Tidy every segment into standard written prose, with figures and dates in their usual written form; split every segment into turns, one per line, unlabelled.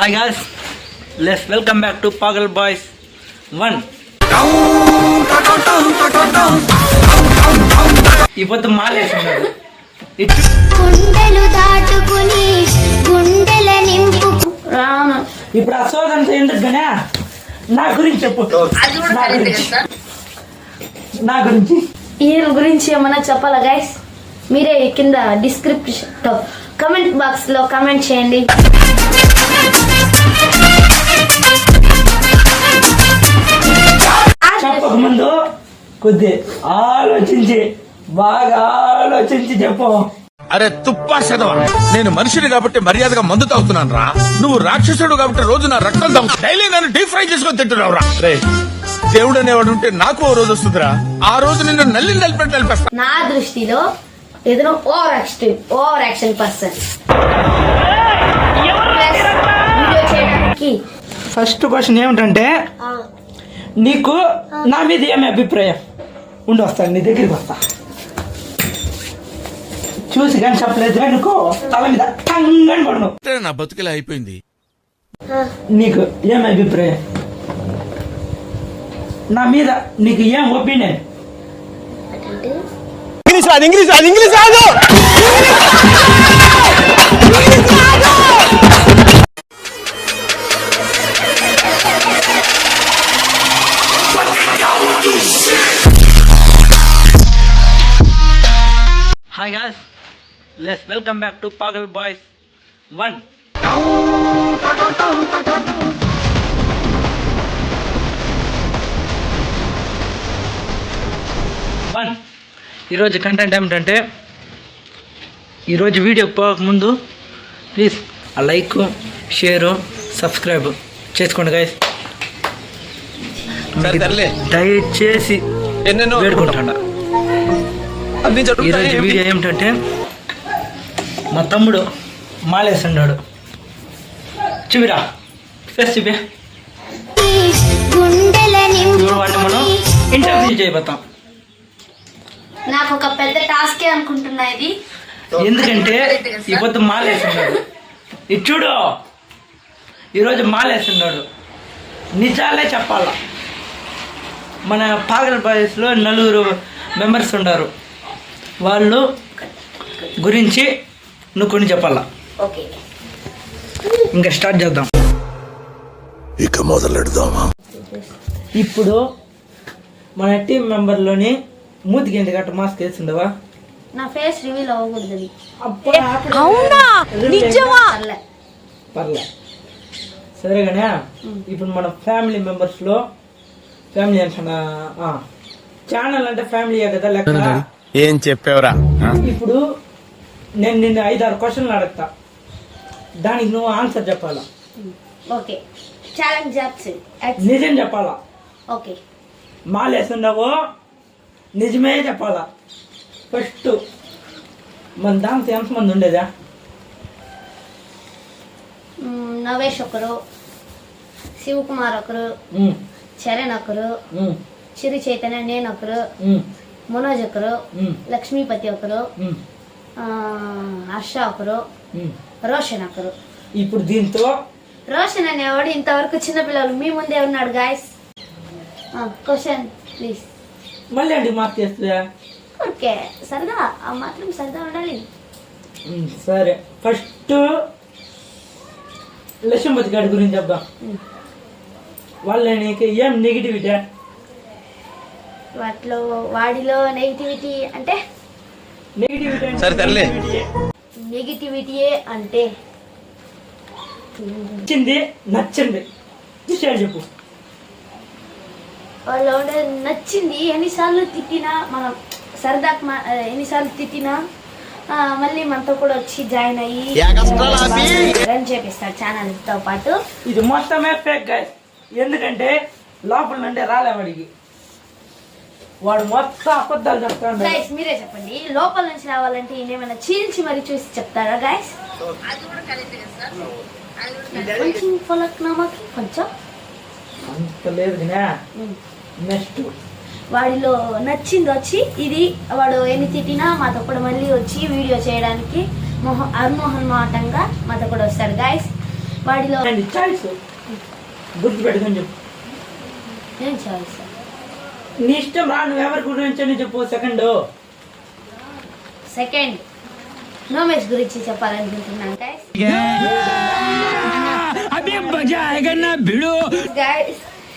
Hi guys, let's welcome back to Pagal Boys 1. ఇప్పుడు మాలేస్తున్నాడు ఇప్పుడు అసోదంతా ఎందుకునే నా గురించి చెప్పు. నా గురించి
ఈయన గురించి ఏమన్నా చెప్పాలా గైస్? మీరే కింద డిస్క్రిప్షన్ కమెంట్ బాక్స్ లో కమెంట్ చేయండి.
చెప్పక ముందు కొద్ది ఆలోచించి బాగా ఆలోచించి చెప్పు.
అరే తుప్పా చదవా, నేను మనిషిని కాబట్టి మర్యాదగా మందు తాగుతున్నాను రా. నువ్వు రాక్షసుడు కాబట్టి రోజు నా రక్తం తాగు, డైలీ నన్ను డీప్ ఫ్రై చేసుకొని తింటున్నావు రా. రే దేవుడు అనేవాడు ఉంటే నాకు ఓ రోజు వస్తుందిరా, ఆ రోజు నిన్ను నలిపేస్తా.
నా దృష్టిలో ఏదైనా over action person.
First question ఏమిటంటే, నీకు నా మీద ఏమి అభిప్రాయం ఉండి వస్తాను, నీ దగ్గరికి వస్తా. చూసి కానీ చెప్పలేదు అనుకో, తల మీద టంగని పడను.
నా బతుకులా అయిపోయింది.
నీకు ఏం అభిప్రాయం, నా మీద నీకు ఏం ఒపీనియన్? ఇంగ్లీష్ రాదు. Hi guys, let's welcome back to Pagal Boys 1. ఈరోజు కంటెంట్ ఏమిటంటే, ఈరోజు వీడియో పోకముందు ప్లీజ్ ఆ లైక్, షేరు, సబ్స్క్రైబ్ చేసుకోండి గైస్. దయచేసి వేడుకుంటాడా. ఈరోజు వీడియో ఏమిటంటే, మా తమ్ముడు మాలేస్తున్నాడు. చూపిరా, ఫేస్ చూపి. వాడిని మనం ఇంటర్వ్యూ చేయబోతాం.
నాకు ఒక పెద్ద టాస్కే అనుకుంటున్నా ఇది.
ఎందుకంటే ఇప్పుడు మాలేస్తున్నాడు. ఇది చూడు, ఈరోజు మాలేస్తున్నాడు. నిజాలే చెప్పాలా. మన పాగల్ బాయ్స్లో 4 మెంబర్స్ ఉన్నారు. వాళ్ళు గురించి నువ్వు కొన్ని చెప్పాలా. ఇంకా స్టార్ట్ చేద్దాం.
ఇక మొదలెడదామా?
ఇప్పుడు మన టీం మెంబర్లోని మూతికి ఎందుకు అట్ట మాస్క్ వేస్తుండవా?
నా ఫేస్ రివీల్ అవ్వకూడదు.
పర్లే సరేగానే. ఇప్పుడు మన ఫ్యామిలీ మెంబర్స్లో ఫ్యామిలీ అంటే ఛానల్ అంటే ఫ్యామిలీయే కదా లెక్క.
ఏం చెప్పావురా?
ఇప్పుడు నేను నిన్ను 5-6 క్వశ్చన్లు అడుగుతా, దానికి నువ్వు ఆన్సర్ చెప్పాలా.
ఓకే, ఛాలెంజ్
నిజం చెప్పాలా.
ఓకే,
మాలేస్తున్నావో నిజమే చెప్పాలా. ఫస్ట్ మన దాంతో ఎంతమంది ఉండేదా?
నవేష్ ఒకరు, శివకుమార్ ఒకరు, చరణ్ ఒకరు, చిరు చైతన్య నేను ఒకరు, మనోజ్ ఒకరు, లక్ష్మీపతి ఒకరు, హర్ష ఒకరు, రోషన్ ఒకరు.
ఇప్పుడు దీంతో
రోషన్ అనేవాడు ఇంతవరకు చిన్నపిల్లలు మీ ముందే ఉన్నాడు గాయస్. Question please.
మళ్ళీ అండి మార్క్ చేస్తుందా?
ఓకే, సరదా, ఆ మాత్రం సరదా ఉండాలి.
సరే, ఫస్ట్ లక్ష్మీపతి గారి గురించి చెప్దాం. వాళ్ళ నీకు ఏం నెగిటివిటీ?
వాడిలో నెగిటివిటీ అంటే నెగిటివిటీయే అంటే
నచ్చింది విషయాలు చెప్పు.
వాళ్ళు నచ్చింది ఎన్నిసార్లు తిట్టినా, మనం సరదాకు ఎన్నిసార్లు తిట్టినా మళ్ళీ మనతో కూడా వచ్చి జాయిన్ అయ్యి రన్ చేపిస్తాడు ఛానల్ తో పాటు.
ఇది మొత్తమే ఫేక్ గైస్. ఎందుకంటే లోపల నుండి రాలేవాడికి, వాడు మొత్తం అబద్ధాలు చెప్తాడు.
గైస్ మీరే చెప్పండి, లోపల నుంచి రావాలంటే ఏమైనా చీల్చి మరి చూసి చెప్తారా గైస్? కొంచెం
అంత లేదు. నెక్స్ట్
వాడిలో నచ్చింది వచ్చి ఇది, వాడు ఎన్ని తిట్టినా మాతో కూడా మళ్ళీ వచ్చి వీడియో చేయడానికి అర్మోహన్ మాటంగా మాతో కూడా వస్తాడు గైస్. వాడిలో
చాయిస్ గుర్తు పెట్టుకొని చెప్పు.
ఏం చాయిస్?
నీ ఇష్టం రా, నువ్వు ఎవరి గురించి అని చెప్పు.
సెకండ్ నోమేష్ గురించి చెప్పాలనుకుంటున్నాను గైస్.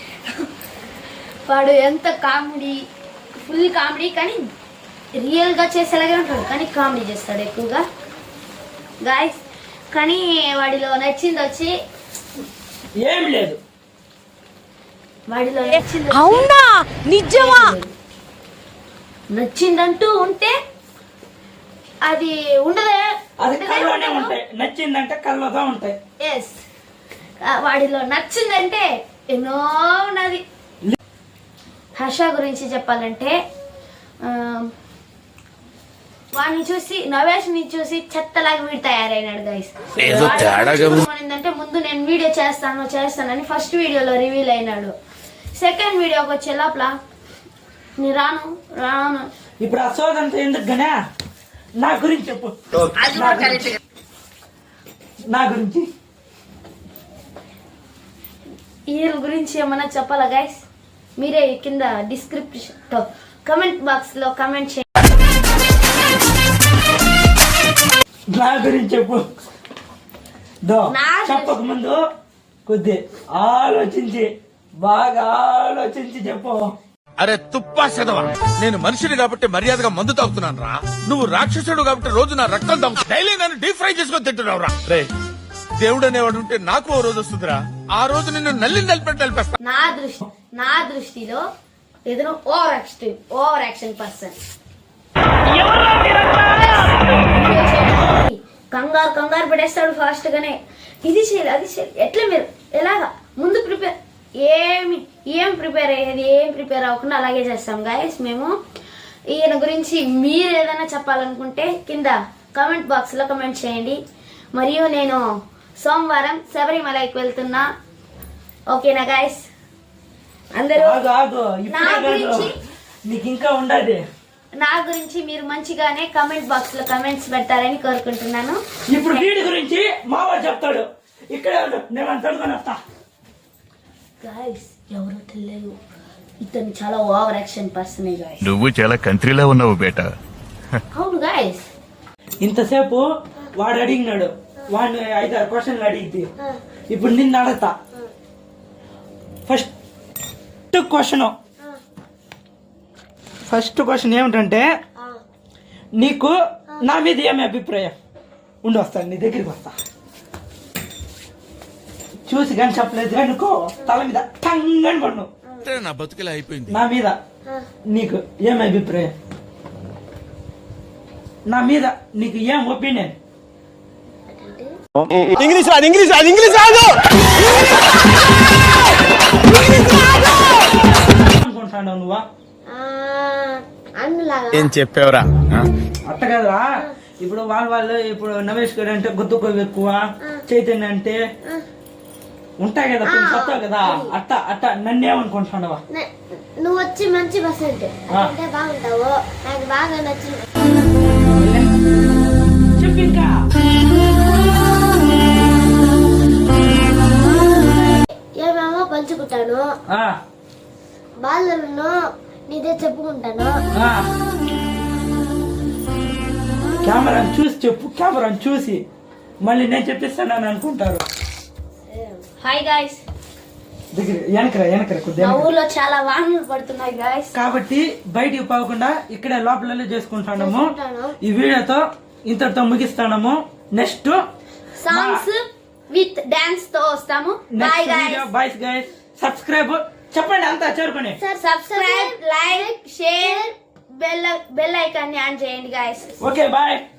వాడు ఎంత కామెడీ, ఫుల్ కామెడీ, కానీ రియల్గా చేసేలాగే ఉంటాడు, కానీ కామెడీ చేస్తాడు ఎక్కువగా గాయస్. కానీ వాడిలో నచ్చింది వచ్చి
ఏం లేదు.
వాడిలో నచ్చింది
అవునా నిజమా?
నచ్చిందంటూ ఉంటే అది ఉండదే,
అది కళ్ళలోనే ఉంటాయి. నచ్చిందంటే కళ్ళతో ఉంటాయి.
ఎస్, వాడిలో నచ్చిందంటే ఎన్నో ఉన్నది. హర్ష గురించి చెప్పాలంటే వాడిని చూసి, నవేష్ని చూసి చెత్తలాగా వీడు తయారైనాడు గైస్. ఏంటంటే ముందు నేను వీడియో చేస్తానని ఫస్ట్ వీడియోలో రివీల్ అయినాడు. సెకండ్ వీడియోకి వచ్చే లోపల నీ రాను
ఇప్పుడు ఆ సోదంతా ఎందుకు గనే నా గురించి చెప్పు. నా గురించి
వీళ్ళ గురించి ఏమన్నా చెప్పాలా గైస్? మీరే కింద డిస్క్రిప్షన్ కమెంట్ బాక్స్ లో కమెంట్ చేయండి.
నా గురించి చెప్పు.
నా
చెప్పక ముందు కొద్ది ఆలోచించి, బాగా ఆలోచించి చెప్పు.
అరే తుప్పా చదవా, నేను మనిషిని కాబట్టి మర్యాదగా మందు తాగుతున్నాను రా. నువ్వు రాక్షసుడు కాబట్టి రోజు నా రక్తం తాగుతా. డైలీ నన్ను డీప్ ఫ్రై చేసుకొని తింటున్నావు రా. రే దేవుడు అనేవాడు ఉంటే నాకు ఓ రోజు వస్తుందిరా. ఆ రోజు నిన్ను నలిపేస్తా.
నా దృష్టిలో ఏదైనా ఓవర్ యాక్షన్ పర్సన్. కంగారు పడేస్తాడు ఫాస్ట్ గానే. ఇది చేయాలి, అది చేయాలి, ఎట్లా మీరు ఎలాగా ముందు ప్రిపేర్ ఏం ప్రిపేర్ అవ్వకుండా అలాగే చేస్తాం గాయస్ మేము. ఈయన గురించి మీరు ఏదైనా చెప్పాలనుకుంటే కింద కామెంట్ బాక్స్ లో కమెంట్ చేయండి. మరియు నేను సోమవారం శబరిమలకి వెళ్తున్నా. ఓకేనా గాయస్? అందరూ
నీకు ఇంకా ఉండదు.
నా గురించి మీరు మంచిగానే కామెంట్ బాక్స్ లో కమెంట్స్ పెడతారని కోరుకుంటున్నాను.
ఇప్పుడు వీడి గురించి మావాడు చెప్తాడు. ఇక్కడే నేను అంటుకొని వస్తా.
గాయస్ ఎవరో తెలియదు, ఇతను చాలా ఓవర్ యాక్షన్ పర్సన్ గాయస్.
నువ్వు చాలా కంట్రీలో ఉన్నావు బేటా.
అవును గాయస్.
ఇంతసేపు వాడు అడిగినాడు, వాడిని 5-6 క్వశ్చన్లు అడిగింది. ఇప్పుడు నిన్ను అడగతా. ఫస్ట్ క్వశ్చన్ ఏమిటంటే, నీకు నా మీద ఏమి అభిప్రాయం? ఉండి వస్తాను, నీ దగ్గరికి వస్తా. చూసి కానీ చెప్పలేదు అనుకో, తల మీద టంగని పన్ను.
నా బతుకులా అయిపోయింది.
నా మీద నీకు ఏం అభిప్రాయం? నా మీద నీకు ఏం ఒపీనియన్?
ఇంగ్లీష్ రాదు.
అనుకుంటున్నావు నువ్వా?
ఏం చెప్పావురా?
అట్ట కదరా. ఇప్పుడు వాళ్ళు ఇప్పుడు నవేష్ గారు అంటే గుర్తుకు ఎక్కువ, చైతన్య అంటే ఉంటాయి కదా, కొన్ని కొత్త కదా. అట్ట నన్నేమనుకుంటున్నావా?
నువ్వు వచ్చి మంచి బస్ అంటే బాగుంటావు, నాకు బాగా నచ్చింది.
చెప్పు ఇంకా.
ఏమేమో పంచుకుంటాను, బాధలను నీదే చెప్పుకుంటాను.
కెమెరాని చూసి చెప్పు. కెమెరాని చూసి మళ్ళీ నేను చెప్పిస్తానని అనుకుంటారు.
Hi guys.
వెనకరా కొద్దిగా.
మా ఊర్లో చాలా వాహనాలు పడుతున్నాయి గాయస్,
కాబట్టి బయటికి పోకుండా ఇక్కడే లోపలనే చేసుకుంటాము. ఈ వీడియోతో ఇంతటితో ముగిస్తాము. నెక్స్ట్
సాంగ్స్ విత్ డాన్స్ తో వస్తాము. Bye guys.
Byes guys. Subscribe చెప్పండి అంతా చేరుకుని.
Subscribe, like, share, bell icon ని ఆన్ చేయండి గాయస్.
Okay bye.